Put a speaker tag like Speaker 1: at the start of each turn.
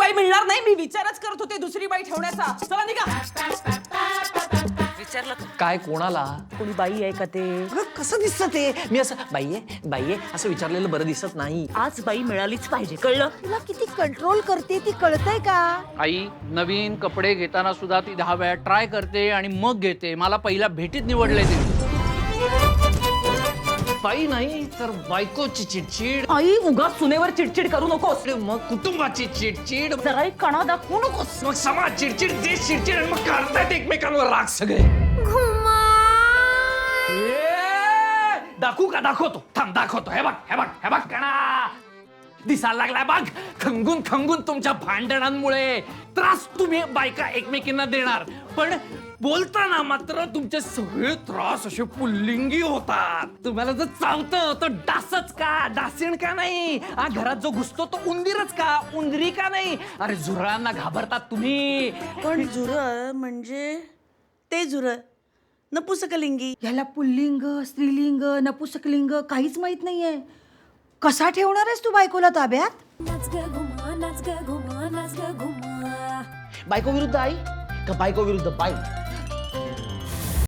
Speaker 1: बाई मिळणार नाही. मी विचारच करत होते दुसरी बाई ठेवण्याचा. चला निघा. विचारलं
Speaker 2: काय कोणाला?
Speaker 1: कोणी बाई आहे का ते?
Speaker 2: कसं दिसतं ते? मी असं बाई आहे असं विचारलेलं बरं दिसत नाही.
Speaker 1: आज बाई मिळालीच पाहिजे, कळलं?
Speaker 3: तुला किती कंट्रोल करते ती कळतंय का?
Speaker 4: आई नवीन कपडे घेताना सुद्धा ती 10 वेळा ट्राय करते आणि मग घेते. मला पहिल्या भेटीत निवडले ते.
Speaker 2: बाई नाही तर बायकोची चिडचिड.
Speaker 1: आई उगाच सुनेवर चिडचिड करू नकोस.
Speaker 2: मग कुटुंबाची चिडचिड.
Speaker 1: जराही कणा दाखवू नकोस.
Speaker 2: मग समाज चिडचिड, देश चिडचिड आणि मग काढतायत एकमेकांवर राग सगळे. दाखवू का? दाखवतो. थांब दाखवतो. हे बघ कणा दिसायला लागलाय बघ. खंगून खंगून तुमच्या भांडणांमुळे त्रास तुम्ही बायका एकमेकींना देणार, पण बोलताना मात्र तुमचे सगळे त्रास असे पुल्लिंगी होतात. तुम्हाला जर चावतं तर डासच का? डासीण का नाही? घरात जो घुसतो तो उंदीरच का? उंदरी का नाही? अरे झुरळांना घाबरतात तुम्ही.
Speaker 3: पण झुरळ म्हणजे ते झुरळ नपुसकलिंगी.
Speaker 5: याला पुल्लिंग, स्त्रीलिंग, नपुसकलिंग काहीच माहित नाहीये. कसा ठेवणार आहेस तू बायकोला ताब्यात?
Speaker 2: बायको विरुद्ध आई का बायको विरुद्ध बाई?